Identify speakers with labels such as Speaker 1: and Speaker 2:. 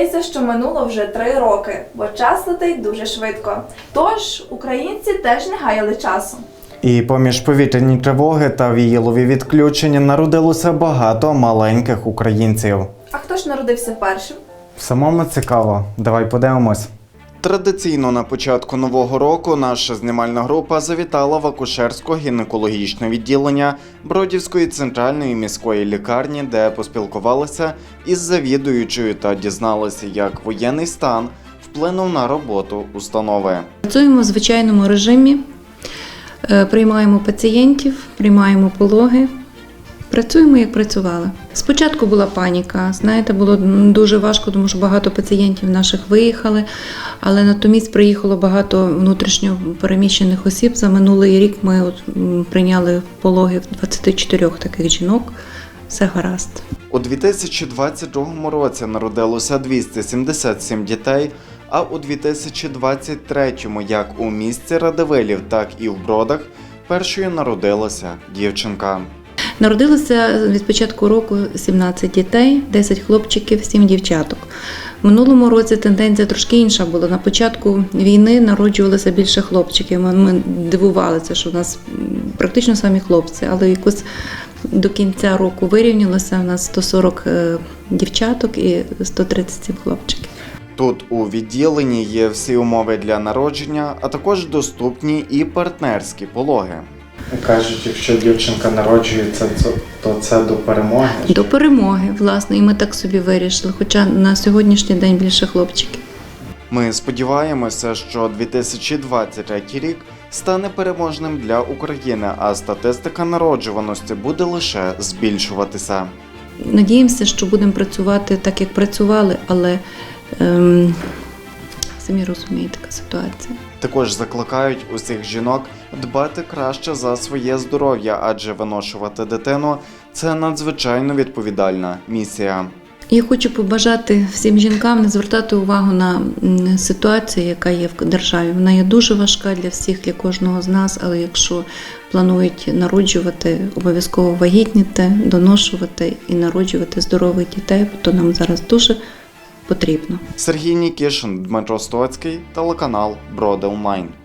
Speaker 1: здається, що минуло вже 3 роки, бо час летить дуже швидко. Тож українці теж не гаяли часу.
Speaker 2: І поміж повітряні тривоги та віялові відключення народилося багато маленьких українців.
Speaker 1: А хто ж народився першим?
Speaker 2: Самому цікаво. Давай подивимось. Традиційно на початку нового року наша знімальна група завітала в акушерсько-гінекологічне відділення Бродівської центральної міської лікарні, де поспілкувалися із завідуючою та дізналися, як воєнний стан вплинув на роботу установи.
Speaker 3: Працюємо в звичайному режимі, приймаємо пацієнтів, приймаємо пологи. Працюємо, як працювали. Спочатку була паніка, знаєте, було дуже важко, тому що багато пацієнтів наших виїхали, але натомість приїхало багато внутрішньо переміщених осіб. За минулий рік ми прийняли пологи в 24 таких жінок. Все гаразд.
Speaker 2: У 2022 році народилося 277 дітей, а у 2023-му як у місті Радивилів, так і в Бродах першою народилася дівчинка.
Speaker 3: Народилося від початку року 17 дітей, 10 хлопчиків, 7 дівчаток. В минулому році тенденція трошки інша була. На початку війни народжувалося більше хлопчиків. Ми дивувалися, що в нас практично самі хлопці, але якось до кінця року вирівнялося. У нас 140 дівчаток і 137 хлопчиків.
Speaker 2: Тут у відділенні є всі умови для народження, а також доступні і партнерські пологи. Кажуть, якщо дівчинка народжується, то це до перемоги?
Speaker 3: До перемоги, власне, і ми так собі вирішили, хоча на сьогоднішній день більше хлопчиків.
Speaker 2: Ми сподіваємося, що 2023 рік стане переможним для України, а статистика народжуваності буде лише збільшуватися.
Speaker 3: Надіємося, що будемо працювати так, як працювали, але самі розумієте, така ситуація.
Speaker 2: Також закликають усіх жінок дбати краще за своє здоров'я, адже виношувати дитину – це надзвичайно відповідальна місія.
Speaker 3: Я хочу побажати всім жінкам не звертати увагу на ситуацію, яка є в державі. Вона є дуже важка для всіх, для кожного з нас, але якщо планують народжувати, обов'язково вагітніти, доношувати і народжувати здорових дітей, то нам зараз дуже потрібно.
Speaker 2: Сергій Нікішин, Дмитро Стоцький, телеканал Броди Онлайн.